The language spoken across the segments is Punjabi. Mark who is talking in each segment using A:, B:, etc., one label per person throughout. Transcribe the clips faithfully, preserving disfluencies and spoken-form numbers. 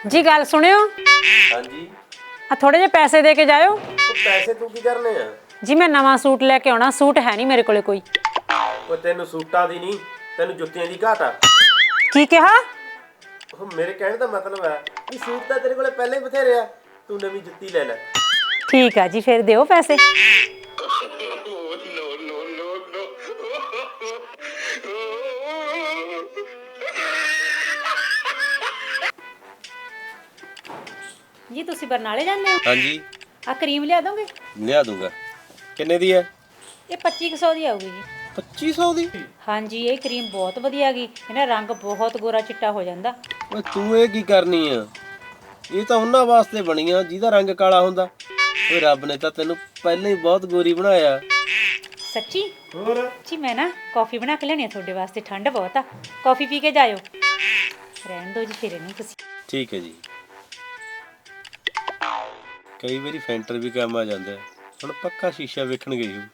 A: जी गल सुनियो।
B: हाँ जी।
A: आ थोड़े जे पैसे दे के जाओ।
B: तो पैसे तू की करने आ?
A: जी मैं नवा सूट लेके आना, सूट है नहीं मेरे कोले कोई।
B: ਉਹ ਤੈਨੂੰ ਸੂਟਾਂ ਦੀ ਨਹੀਂ ਤੈਨੂੰ ਜੁੱਤੀਆਂ ਦੀ ਘਾਟ ਆ।
A: की कहा?
B: ਉਹ ਮੇਰੇ ਕਹਿਣ ਦਾ ਮਤਲਬ ਹੈ ਕਿ ਸੂਟ ਤਾਂ ਤੇਰੇ ਕੋਲੇ ਪਹਿਲਾਂ ਹੀ ਬਥੇਰੇ ਆ, ਤੂੰ ਨਵੀਂ ਜੁੱਤੀ ਲੈ ਲੈ।
A: ठीक है जी, फिर दियो पैसे। जी तुसी बरनाले जाते हो?
B: हाँ जी।
A: आ क्रीम लिया दोगे?
B: ਲਿਆ ਦੂੰਗਾ। ਕਿੰਨੇ ਦੀ ਹੈ?
A: ये पच्ची सौ की आऊगी जी।
B: ਪੱਚੀ ਸੌ ਦੀ?
A: हाँ जी ये क्रीम बहुत वधिया गई, इहदा रंग बहुत गोरा चिट्टा हो जाता।
B: ਓਏ ਤੂੰ ਇਹ ਕੀ ਕਰਨੀ ਆ? ਇਹ ਤਾਂ ਉਹਨਾਂ ਵਾਸਤੇ ਬਣੀ ਆ ਜਿਹਦਾ ਰੰਗ ਕਾਲਾ ਹੁੰਦਾ। ਓਏ ਰੱਬ ਨੇ ਤਾਂ ਤੈਨੂੰ ਪਹਿਲਾਂ ਹੀ ਬਹੁਤ ਗੋਰੀ ਬਣਾਇਆ।
A: सच्ची?
B: ਹੋਰ
A: जी मैं ना कॉफी बना के लेनी है थोड़े वास्ते, ठंड बहुत आ। कॉफी पी के जायो। रहन दो जी फिर इहनूं तुसी।
B: ਠੀਕ ਹੈ ਜੀ। ਕਈ ਵਾਰੀ ਫੈਂਟਰ ਵੀ ਕੰਮ ਆ ਜਾਂਦਾ। ਹੁਣ ਪੱਕਾ ਸ਼ੀਸ਼ਾ ਵੇਖਣ ਗਈ ਹੂੰ।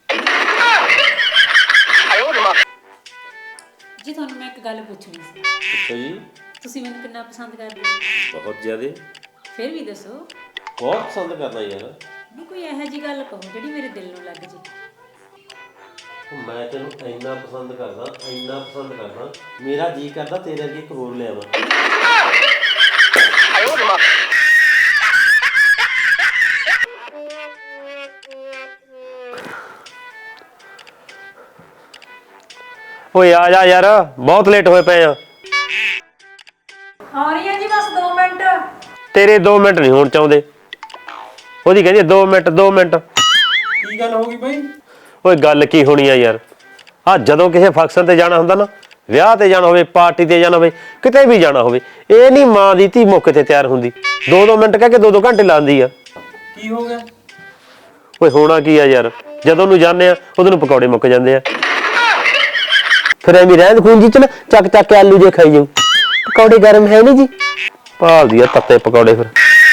A: जी ਤੁਹਾਨੂੰ ਮੈਂ ਇੱਕ ਗੱਲ ਪੁੱਛਣੀ ਸੀ।
B: ਅੱਛਾ ਜੀ।
A: ਤੁਸੀਂ ਮੈਨੂੰ ਕਿੰਨਾ ਪਸੰਦ ਕਰਦੇ ਹੋ?
B: ਬਹੁਤ ਜ਼ਿਆਦੇ।
A: ਫਿਰ ਵੀ ਦੱਸੋ।
B: ਬਹੁਤ ਪਸੰਦ ਕਰਦਾ ਯਾਰ।
A: ਨਹੀਂ ਕੋਈ ਇਹੋ ਜਿਹੀ ਗੱਲ ਕਹੋ ਜਿਹੜੀ ਮੇਰੇ ਦਿਲ ਨੂੰ ਲੱਗ ਜੇ।
B: ਮੈਂ ਤੈਨੂੰ ਇੰਨਾ ਪਸੰਦ ਕਰਦਾ, ਇੰਨਾ ਪਸੰਦ ਕਰਦਾ, ਮੇਰਾ ਜੀ ਕਰਦਾ ਤੇਰੇ ਅੱਗੇ ਇੱਕ ਹੋਰ ਲਿਆਵਾਂ। ਓਏ ਆ ਜਾ ਯਾਰ, ਬਹੁਤ ਲੇਟ ਹੋਏ ਪਏ ਆ।
A: ਆ ਰਹੀ ਹੈ ਜੀ ਬਸ ਦੋ ਮਿੰਟ।
B: ਤੇਰੇ ਦੋ ਮਿੰਟ ਨਹੀਂ ਹੋਣ ਚਾਹੁੰਦੇ। ਉਹਦੀ ਕਹਿੰਦੀ ਦੋ ਮਿੰਟ ਦੋ ਮਿੰਟ। ਕੀ ਗੱਲ ਹੋ ਗਈ ਬਾਈ? ਓਏ ਗੱਲ ਕੀ ਹੋਣੀ ਆ ਯਾਰ, ਆ ਜਦੋਂ ਕਿਸੇ ਫੰਕਸ਼ਨ ਤੇ ਜਾਣਾ ਹੁੰਦਾ ਨਾ, ਵਿਆਹ ਤੇ ਜਾਣਾ ਹੋਵੇ, ਪਾਰਟੀ ਤੇ ਜਾਣਾ ਹੋਵੇ, ਕਿਤੇ ਵੀ ਜਾਣਾ ਹੋਵੇ, ਇਹ ਨਹੀਂ ਮਾਂ ਦੀ ਧੀ ਮੌਕੇ ਤੇ ਤਿਆਰ ਹੁੰਦੀ, ਦੋ ਦੋ ਮਿੰਟ ਕਹਿ ਕੇ ਦੋ ਦੋ ਘੰਟੇ ਲਾਉਂਦੀ ਆ। ਕੀ ਹੋ ਗਿਆ? ਓਏ ਹੋਣਾ ਕੀ ਆ ਯਾਰ, ਜਦੋਂ ਨੂੰ ਜਾਂਦੇ ਆ ਉਦੋਂ ਨੂੰ ਪਕੌੜੇ ਮੁੱਕ ਜਾਂਦੇ ਆ। ਫਿਰ ਐਵੇਂ ਰਹਿੰਦ ਖੂੰਜੀ ਚ ਨਾ ਚੱਕ ਚੱਕ ਕੇ ਆਲੂ ਜੇ ਖਾਈ ਜਾਊ। ਪਕੌੜੇ ਗਰਮ ਹੈ ਨਹੀਂ ਜੀ, ਭਾਲਦੀ ਆ ਤੱਤੇ ਪਕੌੜੇ। ਫਿਰ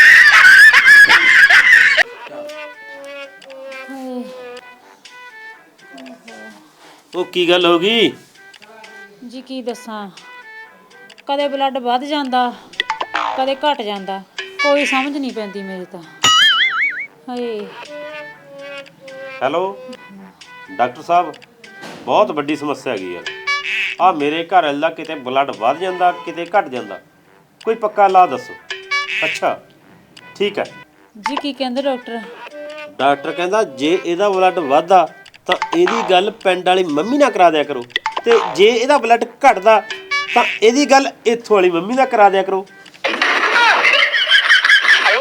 B: ਉਹ ਕੀ ਗੱਲ ਹੋ ਗਈ?
A: ਜੀ ਕੀ ਦੱਸਾਂ, ਕਦੇ ਬਲੱਡ ਵੱਧ ਜਾਂਦਾ, ਕਦੇ ਘਟ ਜਾਂਦਾ, ਕੋਈ ਸਮਝ ਨਹੀਂ ਪੈਂਦੀ ਮੇਰੀ ਤਾਂ। ਹਾਏ
B: ਹੈਲੋ ਡਾਕਟਰ ਸਾਹਿਬ, ਬਹੁਤ ਵੱਡੀ ਸਮੱਸਿਆ ਹੈਗੀ ਯਾਰ। ਆ ਮੇਰੇ ਘਰ ਵਾਲੇ ਦਾ ਕਿਤੇ ਬਲੱਡ ਵੱਧ ਜਾਂਦਾ, ਕਿਤੇ ਘਟ ਜਾਂਦਾ, ਕੋਈ ਪੱਕਾ ਇਲਾਜ ਦੱਸੋ। ਅੱਛਾ ਠੀਕ ਹੈ
A: ਜੀ। ਕੀ ਕਹਿੰਦੇ ਡਾਕਟਰ?
B: ਡਾਕਟਰ ਕਹਿੰਦਾ ਜੇ ਇਹਦਾ ਬਲੱਡ ਵੱਧਦਾ ਤਾਂ ਇਹਦੀ ਗੱਲ ਪਿੰਡ ਵਾਲੀ ਮੰਮੀ ਨਾਲ ਕਰਾ ਦਿਆ ਕਰੋ, ਤੇ ਜੇ ਇਹਦਾ ਬਲੱਡ ਘਟਦਾ ਤਾਂ ਇਹਦੀ ਗੱਲ ਇੱਥੋਂ ਵਾਲੀ ਮੰਮੀ ਨਾਲ ਕਰਾ ਦਿਆ ਕਰੋ।